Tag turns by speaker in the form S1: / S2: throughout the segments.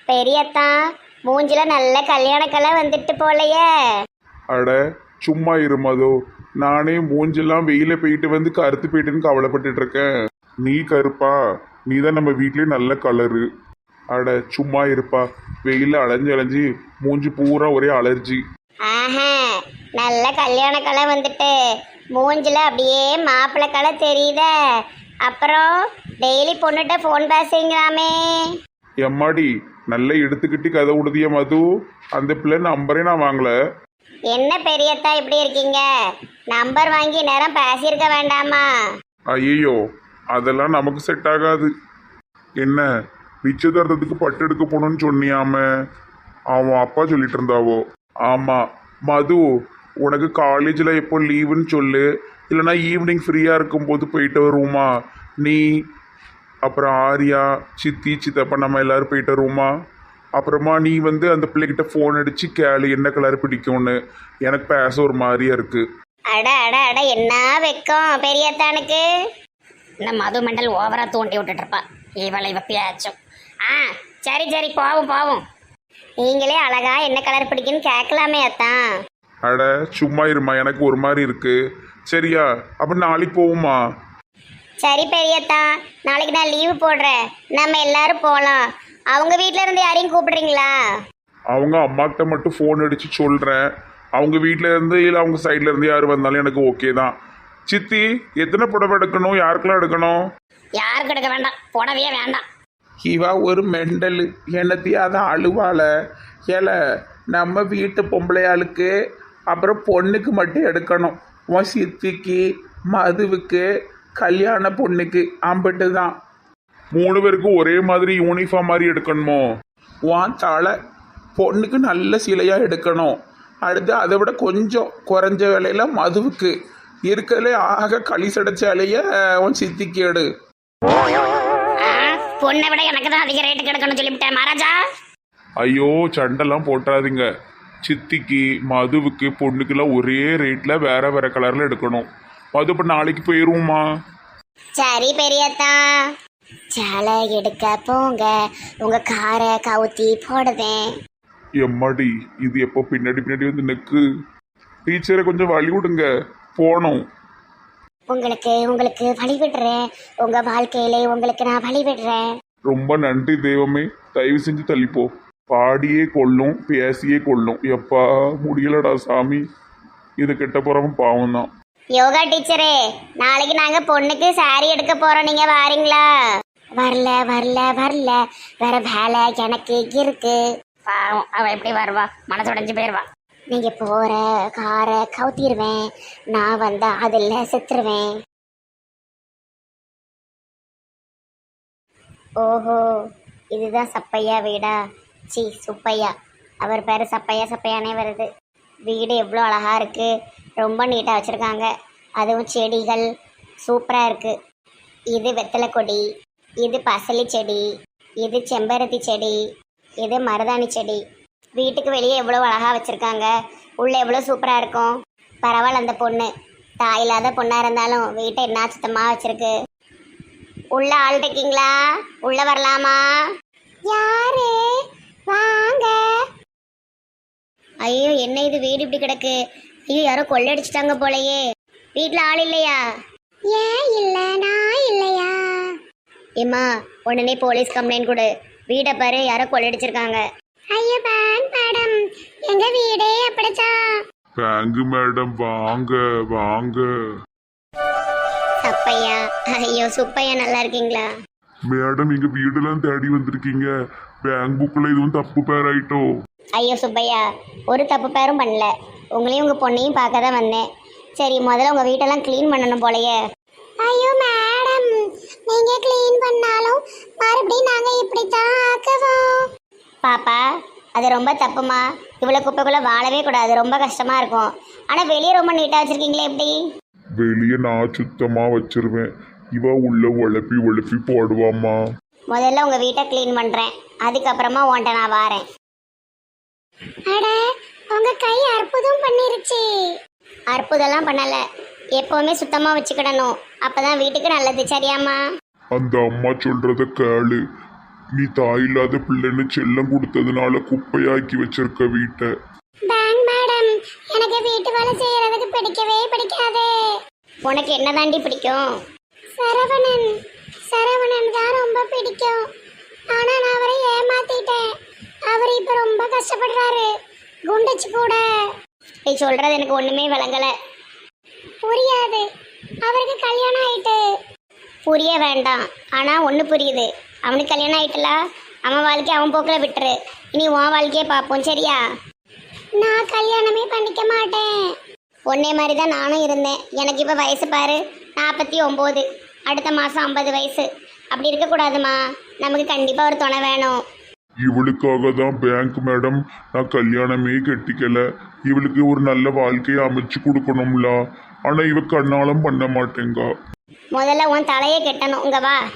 S1: பெரியத்தா மூஞ்சில நல்ல கல்யாணக்கலை வந்துட்டு போலையே.
S2: அட சும்மா இருமதோ, நானே மூஞ்செல்லாம் வெயில போயிட்டு வந்து கருத்து போயிட்டுன்னு கவலைப்பட்டுட்டு இருக்கேன். நீ கருப்பா, நீ தான் நம்ம வீட்லயே நல்ல கலரு. அட சும்மா இருப்பா, வெயில அலைஞ்சு அலைஞ்சு மூஞ்சி பூரா ஒரே அலர்ஜி.
S1: ஆஹா, நல்ல கல்யாணக்கலை வந்துட்டு மூஞ்சில அப்படியே மாப்பிள்ளை கலை தெரியுதே. அப்புறம் டெய்லி பொண்ணுகிட்ட ஃபோன் பேசுங்களாமே.
S2: எம்மாடி நல்லா எடுத்துக்கிட்டு கதை உடுதிய மது, அந்த பிள்ளை நம்பரே நான் வாங்கல.
S1: என்ன பெரியத்தா இப்படி இருக்கீங்க? நம்பர் வாங்கி நேரம் பேசியிருக்க வேண்டாமா?
S2: ஐயோ, அதெல்லாம் நமக்கு செட் ஆகாது. என்ன நிச்சயதார்த்தத்துக்கு பட்டு எடுக்க போகணும்னு சொன்னியாம, அவன் அப்பா சொல்லிட்டு இருந்தாவோ. ஆமா மது, உனக்கு காலேஜில் எப்போ லீவுன்னு சொல்லு, இல்லைனா ஈவினிங் ஃப்ரீயாக இருக்கும்போது போயிட்டு வருவோமா? நீ அப்புறம் ஆர்யா, சித்தி, சித்தப்பா நம்ம எல்லாரும் போயிட்டு வருவோமா? அப்புறமா நீ வந்து அந்த பிள்ளைகிட்ட ஃபோன் அடிச்சு கேளு என்ன கலர் பிடிக்கும்னு. எனக்கு பேச ஒரு மாதிரியா இருக்கு.
S1: அட அட அட, என்ன வெக்கம் பெரியத்தானுக்கு. இந்த மது மண்டல் ஓவரா தூண்டி விட்டுட்டு இருப்பா இவளை வப்பியாச்சும். சரி சரி, போவோம் போவோம். நீங்களே அழகா என்ன கலர் பிடிக்குன்னு கேட்கலாமே அத்தான்.
S2: அட சும்மா இருமா, எனக்கு ஒரு மாதிரி இருக்கு. சரியா, அப்ப நாளைக்கு போவோமா?
S1: சரி பெரியத்தா, நாளைக்கு நான் லீவு போடுறேன், நம்ம எல்லாரும் போகலாம். அவங்க வீட்டில இருந்து யாரையும் கூப்பிடுறீங்களா?
S2: அவங்க அம்மாக்கிட்ட மட்டும் ஃபோன் அடிச்சு சொல்றேன். அவங்க வீட்டில இருந்து இல்லை அவங்க சைட்ல இருந்து யார் வந்தாலும் எனக்கு ஓகே தான். சித்தி, எத்தனை புடவை எடுக்கணும்? யாருக்கெல்லாம் எடுக்கணும்?
S1: யாருக்கு எடுக்க வேண்டாம், புடவையே வேண்டாம்.
S3: இவா ஒரு மெண்டலு, என்னத்தையாதான் அழுவாள. ஏல நம்ம வீட்டு பொம்பளையாளுக்கு அப்புறம் பொண்ணுக்கு மட்டும் எடுக்கணும். உன் சித்திக்கு, மதுவுக்கு, கல்யாண பொண்ணுக்கு அம்பிட்டு தான்.
S2: 3 பேருக்கும் ஒரே மாதிரி யூனிஃபார்ம் மாதிரி எடுக்கணுமோ?
S3: உன் தலை பொண்ணுக்கு நல்ல சிலையாக எடுக்கணும். அடுத்து அதை விட கொஞ்சம் குறைஞ்ச விலையில மதுவுக்கு இருக்கிறதுலே ஆக களிசடைச்சாலேயே உன் சித்திக்கு எடு.
S1: பொண்ணை விட எனக்கு தான் அதிக ரேட்டுக்கு எடுக்கணும்னு சொல்லிவிட்டேன் மகாராஜா.
S2: ஐயோ சண்டெல்லாம் போட்டாதீங்க. சித்திக்கு, மதுவுக்கு, பொண்ணுக்கெல்லாம் ஒரே ரேட்ல வேற வேற கலர்ல எடுக்கணும். மது இப்போ நாளைக்கு போயிருவோமா?
S1: சரி பெரியத்தா, சேலை எடுக்க போங்க, உங்க காரை கவுத்தி போடுவேன்.
S2: எம்மாடி, இது எப்போ பின்னாடி பின்னாடி வந்து நிற்கு. டீச்சரை கொஞ்சம் வழி விடுங்க, போனோம்.
S1: உங்களுக்கு உங்களுக்கு வழி விடுறேன், உங்க வாழ்க்கையில உங்களுக்கு நான் வழி விடுறேன்.
S2: ரொம்ப நன்றி தெய்வமே, தயவு செஞ்சு தள்ளிப்போ. பாடியே கொள்ளும், பேசியே கொள்ளும். எப்பா முடியலடா சாமி, இது கெட்ட போறவன் பாவம் தான்.
S1: யோகா டீச்சரே, நாளைக்கு நாங்க பொண்ணுக்கு சாரி எடுக்க போறோம், நீங்க வாரீங்களா? வரல வரல வரல, வேற வேலை எனக்கு இருக்கு. பாவம், அவ எப்படி வருவா? மனசு உடைஞ்சு போயிருவா. நீங்க போற காரை கவுத்திடுவேன், நான் வந்தா அதில் செத்துருவேன். ஓஹோ, இதுதான் சப்பையா வீடா? சி சுப்பையா, அவர் பேர் சப்பையா சப்பையானே வருது. வீடு எவ்வளோ அழகா இருக்கு, ரொம்ப நீட்டாக வச்சுருக்காங்க. அதுவும் செடிகள் சூப்பராக இருக்குது. இது வெத்தலை கொடி, இது பசலி செடி, இது செம்பருத்தி செடி, இது மருதாணி செடி. வீட்டுக்கு வெளியே எவ்வளோ அழகாக வச்சுருக்காங்க, உள்ளே எவ்வளோ சூப்பராக இருக்கும். பரவாயில்ல, அந்த பொண்ணு தாயில்லாத பொண்ணாக இருந்தாலும் வீட்டை என்ன சுத்தமாக வச்சுருக்கு. உள்ள ஆள் இருக்கீங்களா? உள்ள வரலாமா? யாரு? வாங்க. ஐயோ, என்ன இது வீடு இப்படி கிடக்கு? ஐயோ, யாரோ கொள்ளடிச்சிட்டாங்க போலயே. வீட்டுல ஆள் இல்லையா? ஏன் இல்ல, நான் இல்லையா? ஏமா, உடனே போலீஸ் கம்ப்ளைண்ட் கொடு. வீடை பாரு, யாரோ கொள்ளடிச்சிருக்காங்க. ஐயோ பேங்க் மேடம், எங்க வீடே அப்படிதான்.
S2: பேங்க் மேடம் வாங்க வாங்க.
S1: சப்பையா, ஐயோ சுப்பையா, நல்லா இருக்கீங்களா?
S2: மேடம், எங்க வீடெல்லாம் தேடி வந்திருக்கீங்க. பேங்க் புக்ல இதுவும் தப்பு பேர் ஆயிட்டோ.
S1: ஐயோ சுப்பையா, ஒரு தப்பு பேரும் பண்ணல, உங்களையும் உங்க பொண்ணையும் பார்க்க தான் வந்தேன். சரி, முதல்ல உங்க வீட்டெல்லாம் க்ளீன் பண்ணணும் போலயே. ஐயோ மேடம், நீங்க க்ளீன் பண்ணாலும் மறுபடியும் நாங்க இப்படித்தான் ஆக்குவோம். பாப்பா, அது ரொம்ப தப்புமா. இவ்வளவு குப்பைக்குள்ள வாழவே கூடாது, ரொம்ப கஷ்டமா இருக்கும். ஆனா வெளியே ரொம்ப நீட்டா வச்சிருக்கீங்களே, எப்படி?
S2: வெளியே நான் சுத்தமா வச்சிருவேன், இவ உள்ள உழப்பி உழப்பி போடுவாமா.
S1: முதல்ல உங்க வீட்டை க்ளீன் பண்றேன், அதுக்கப்புறமா உன்ட்ட நான் வாரேன். அட, உங்க கை அற்புதம் பண்ணிருச்சு. அற்புதம்லாம் பண்ணல, எப்பவுமே சுத்தமா வச்சுக்கிடணும், அப்பதான் வீட்டுக்கு நல்லது. சரியாம்மா?
S2: அந்த அம்மா சொல்றத கேளு. நீ தாயில்லாத பிள்ளைன்னு செல்லம் கொடுத்ததுனால குப்பையாக்கி வச்சிருக்க வீட்டை.
S1: பேங்க் மேடம், எனக்கு வீட்டு வேலை செய்யறதுக்கு பிடிக்கவே பிடிக்காது. உனக்கு என்ன தாண்டி பிடிக்கும்? சரவணன். சரவணன் தான் ரொம்ப பிடிக்கும். ஆனா நான் அவரை ஏமாத்திட்டேன். அவர் இப்ப ரொம்ப கஷ்டப்படுறாரு. குண்டச்சு கூட. நீ சொல்றது எனக்கு ஒண்ணுமே விளங்கல. புரியாது. அவருக்கு கல்யாணம் ஆயிட்டு. புரிய வேண்டாம். ஆனா ஒண்ணு புரியுது. அவனுக்கு கல்யாணம் ஆயிட்டுல, அவன் வாழ்க்கையை அவன் போக்கில் விட்டுரு. இனி உன் வாழ்க்கையை பார்ப்போம், சரியா? நான் கல்யாணமே பண்ணிக்க மாட்டேன். ஒன்னே மாதிரி தான் நானும் இருந்தேன். எனக்கு இப்போ வயசு பாரு 49. அடுத்த மாதம் 50 வயசு. அப்படி இருக்கக்கூடாதுமா. நமக்கு கண்டிப்பாக ஒரு துணை வேணும்.
S2: இவளுக்காக தான் பேங்க் மேடம் நான் கல்யாணமே கட்டிக்கல. இவளுக்கு ஒரு நல்ல வாழ்க்கையை அமைச்சு கொடுக்கணும்ல. ஆனா இவ கண்ணாலம் பண்ண மாட்டேங்க.
S1: முதல்ல உன் தலையை கெட்டணும். இங்க வா.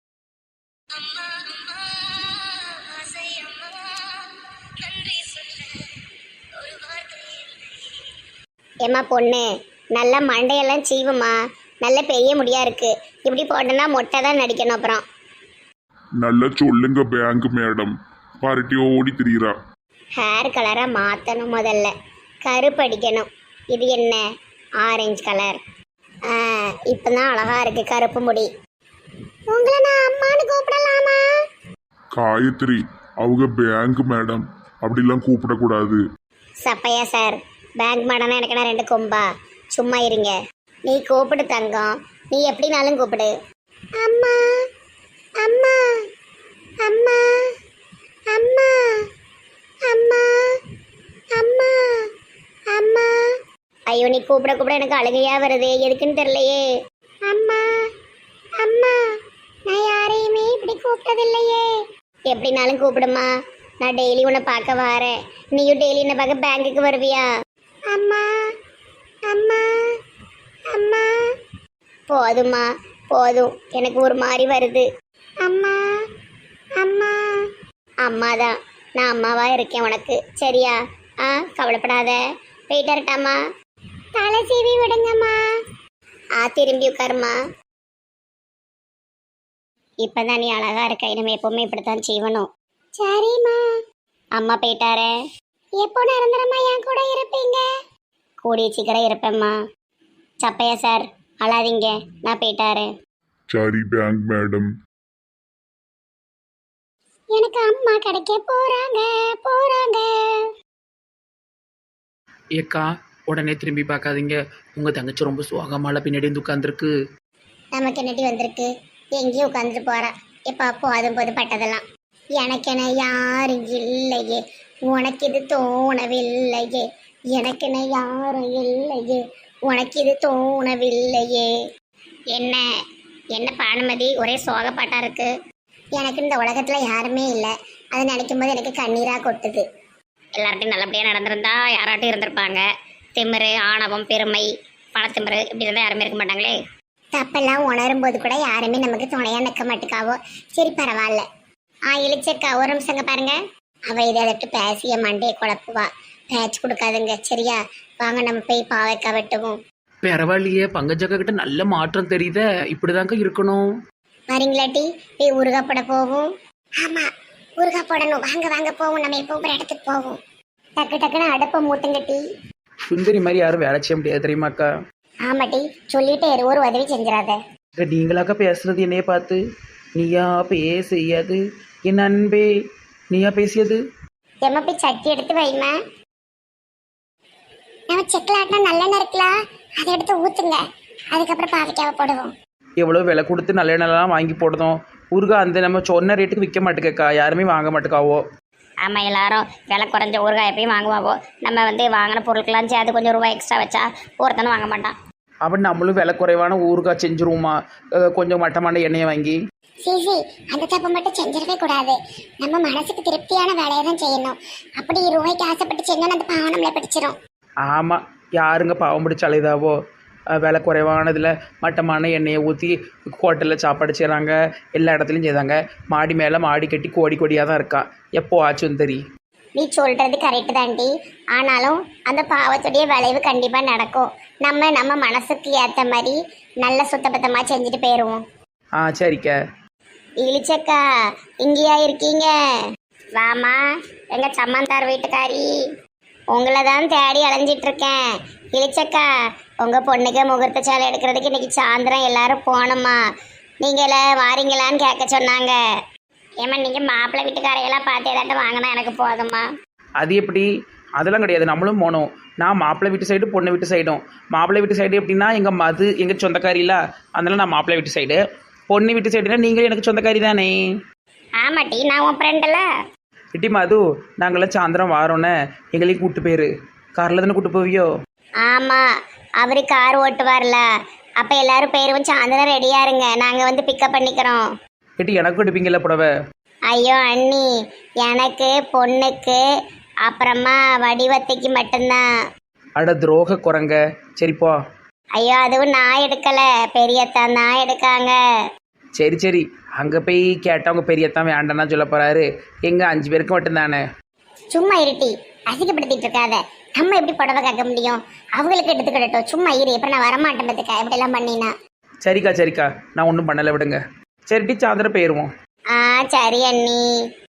S1: ஏம்மா பொண்ணு, நல்ல மண்டையெல்லாம் சீவுமா. நல்ல பெரிய முடியா இருக்கு. இப்படி போட்டோன்னா மொட்டை தான் நடிக்கணும். அப்புறம்
S2: நல்லா சொல்லுங்க பேங்க் மேடம். பார்ட்டி ஓடி திரியிறா.
S1: ஹேர் கலரை மாற்றணும். முதல்ல கருப்படிக்கணும். இது என்ன? Orange colour. இப்போதான் அழகா இருக்கு கருப்பு முடி. உங்களை நான் அம்மானு கூப்பிடலாமா?
S2: காயத்ரி, அவங்க பேங்க் மேடம், அப்படிலாம் கூப்பிடக்கூடாது.
S1: சப்பையா சார், பேங்க் மேடம்னா எனக்கு நான் 2 கொம்பா? சும்மா இருங்க. நீ கூப்பிடு தங்கம். நீ எப்படினாலும் கூப்பிடு. அம்மா அம்மா அம்மா அம்மா அம்மா அம்மா அம்மா. ஐயோ, நீ கூப்பிட கூப்பிட எனக்கு அழுகையா வருது. எதுக்குன்னு தெரியலையே. அம்மா அம்மா, நான் யாரையுமே இப்படி கூப்பிட்டதில்லையே. எப்படினாலும் கூப்பிடுமா. நான் டெய்லி உன்னை பார்க்க வரேன். நீயும் டெய்லி என்னை பார்க்க பேங்குக்கு வருவியா? அம்மா அம்மா அம்மா. போதுமா போதும். எனக்கு ஒரு மாதிரி வருது. அம்மா அம்மா. அம்மா தான். நான் அம்மாவா இருக்கேன் உனக்கு, சரியா? கவலைப்படாத. போயிட்டு வரட்டாமா? தலை சீவி விடுங்கம்மா. திரும்பி உட்காருமா. இப்பதான் நீ அழகா இருக்க. இனிமே எப்பவுமே இப்படித்தான் செய்வணும். சரிம்மா. அம்மா போயிட்டாரே. எப்போ நிரந்தரமா என் கூட இருப்பீங்க? கூடிய சீக்கிரம் இருப்பேம்மா. சப்பையா சார், அழாதீங்க. நான் போயிட்டாரு.
S2: சரி பேங்க் மேடம்.
S1: எனக்கு அம்மா கிடைக்க போறாங்க போறாங்க.
S3: ஏக்கா, உடனே திரும்பி பார்க்காதீங்க. உங்கள் தங்கச்சி ரொம்ப சோகமால பின்னாடி வந்து உட்காந்துருக்கு.
S1: நமக்கு என்னடி வந்திருக்கு? எங்கேயும் உட்காந்துட்டு போறா. எப்ப போதும் போது பட்டதெல்லாம். எனக்கென யாரும் இல்லையே, உனக்கு இது தோணவில்லையே. எனக்கென யாரும் இல்லையே, உனக்கு இது தோணவில்லையே. என்ன என்ன பானுமதி, ஒரே சோகப்பாட்டா இருக்கு. எனக்கு இந்த உலகத்துல யாருமே இல்லை. அதை நினைக்கும் போது எனக்கு கண்ணீரா கொட்டுது. எல்லார்ட்டையும் நல்லபடியா நடந்திருந்தா யாராட்டும் இருந்திருப்பாங்க. திமிரு, ஆணவம், பெருமை, பணத்திமிரு இப்படி இருந்தால் யாருமே இருக்க மாட்டாங்களே. தப்பெல்லாம் உணரும் போது கூட யாருமே நமக்கு துணையா நிற்க மாட்டுக்காவோ. சரி, பரவாயில்ல. இழிச்சிருக்கா, ஒரு நிமிஷங்க பாருங்க. அவ இதை அதட்டு பேசிய மண்டையை குழப்புவா. பேச்சு கொடுக்காதுங்க, சரியா? வாங்க நம்ம போய் பாவைக்கா வெட்டுவோம்.
S3: பரவாயில்லையே, பங்கஜக்கா கிட்ட நல்ல மாற்றம் தெரியுத. இப்படிதாங்க இருக்கணும்.
S1: வரீங்களாட்டி போய் ஊறுகாய் போட போவோம். ஆமா, ஊறுகாய் போடணும். வாங்க வாங்க போவோம். நம்ம எப்போ ஒரு இடத்துக்கு போவோம். டக்கு டக்குன்னு அடுப்பை மூட்டுங்கட்டி.
S3: சுந்தரி மாதிரி யாரும் வேலை செய்ய முடியாது தெரியுமாக்கா?
S1: ஆமாட்டி, சொல்லிட்டே இரு, ஒரு உதவி செஞ்சிடாத.
S3: நீங்களாக்கா பேசுறது என்னைய பார்த்து? நீயா பேசியது என் அன்பே, நீயா பேசியது?
S1: எம்ம போய் சட்டி எடுத்து வைமா. நம்ம செக்கில் ஆட்டினா நல்லெண்ணெய் இருக்கலாம், அதை எடுத்து ஊத்துங்க. அதுக்கப்புறம் பாவைக்காவை போடுவோம்.
S3: எவ்வளோ விலை கொடுத்து நல்ல எண்ணெய்லாம் வாங்கி போடுதோம். ஊருகா அந்த நம்ம சொன்ன ரேட்டுக்கு விற்க மாட்டேக்கா. யாருமே வாங்க மாட்டேக்காவோ.
S1: ஆமாம், எல்லாரும் விலை குறைஞ்ச ஊறுகாய் எப்பயும் வாங்குவாவோ. நம்ம வாங்கின பொருட்கள்லாம் சேர்த்து கொஞ்சம் ரூபாய் எக்ஸ்ட்ரா வச்சா ஒருத்தனும் வாங்க மாட்டான்.
S3: அப்படி நம்மளும் விலை குறைவான ஊறுகாய் செஞ்சுருவோமா? கொஞ்சம் மட்டமான எண்ணெயை வாங்கி.
S1: சரி, அந்த தப்பு மட்டும் செஞ்சிடவே கூடாது. நம்ம மனசுக்கு திருப்தியான வேலையை தான் செய்யணும். அப்படி ரூபாய்க்கு ஆசைப்பட்டு செஞ்சோன்னு அந்த பாவம் நம்மளை பிடிச்சிரும்.
S3: ஆமாம், யாருங்க பாவம் பிடிச்ச அலைதாவோ? விலை குறைவானதில் மட்டமான எண்ணெயை ஊற்றி ஹோட்டலில் சாப்பாடு செய்கிறாங்க. எல்லா இடத்துலையும் செய்தாங்க. மாடி மேலே மாடி கட்டி கோடி கோடியாக தான் இருக்கா. எப்போ ஆச்சும் தெரி.
S1: நீ சொல்கிறது கரெக்டு தாண்டி. ஆனாலும் அந்த பாவத்துடைய விளைவு கண்டிப்பாக நடக்கும். நம்ம மனசுக்கு ஏற்ற மாதிரி நல்ல சுத்தபத்தமாக செஞ்சுட்டு போயிடுவோம்.
S3: சரிக்கா.
S1: இழிச்சக்கா இங்கேயா இருக்கீங்க? வாமா, எங்க சம்மந்தார் வீட்டுக்காரி. உங்களை தான் தேடி அலைஞ்சிட்டு இருக்கேன். இழிச்சக்கா, உங்க பொண்ணுக்கு முகூர்த்த சேலை எடுக்கிறதுக்கு இன்னைக்கு சாயந்தரம் எல்லாரும் போகணுமா? நீங்கள வாரீங்களான்னு கேட்க சொன்னாங்க. ஏமா நீங்க மாப்பிள்ளை வீட்டுக்காரையெல்லாம் பார்த்து ஏதாட்டும் வாங்கினா எனக்கு போதுமா?
S3: அது எப்படி? அதெல்லாம் கிடையாது, நம்மளும் போகணும். நான் மாப்பிள்ளை வீட்டு சைடு பொண்ணு வீட்டு சைடும். மாப்பிள்ளை வீட்டு சைடு எப்படின்னா எங்கள் மது எங்கள் சொந்தக்காரில, அதனால நான் மாப்பிள்ளை வீட்டு சைடு. பொண்ணு வீட்டு சைடுனா நீங்களும் எனக்கு சொந்தக்காரி தானே.
S1: ஆமாட்டி, நான் உன் ஃப்ரெண்டில்.
S3: இட்டி மது, நாங்களாம் சாயந்தரம் வாரோன்னே எங்களையும் கூப்பிட்டு போயிரு. காரில் தானே கூப்பிட்டு போவியோ?
S1: ஆமா, அவரு கார் ஓட்டுவார்ல. அப்ப எல்லாரும் பேரும் சாயந்தரம் ரெடியா இருங்க, நாங்க வந்து பிக்கப் பண்ணிக்கிறோம்.
S3: இட்டி எனக்கும் எடுப்பீங்கல்ல புடவை?
S1: ஐயோ அண்ணி, எனக்கு பொண்ணுக்கு அப்புறமா வடிவத்தைக்கு மட்டும்தான்.
S3: அட துரோக குரங்க. சரிப்பா.
S1: ஐயோ அதுவும் நான் எடுக்கல, பெரியத்தான் தான் எடுக்காங்க.
S3: சரி சரி, அங்கே போய் கேட்டவங்க பெரியத்தான் வேண்டாம்னா சொல்ல போகிறாரு. எங்கள் 5 பேருக்கு மட்டும்தானே.
S1: சும்மா இருட்டி, அசிங்கப்படுத்திட்டு இருக்காத. நம்ம எப்படி புடவை கேட்க முடியும்? அவங்களுக்கு எடுத்துக்கிடட்டும், சும்மா இரு. எப்ப நான் வரமாட்டேன் பத்துக்க இப்படி எல்லாம் பண்ணினா.
S3: சரிக்கா சரிக்கா, நான் ஒன்றும் பண்ணலை விடுங்க. சரிட்டி சாயந்தரம் போயிடுவோம்.
S1: சரி அண்ணி.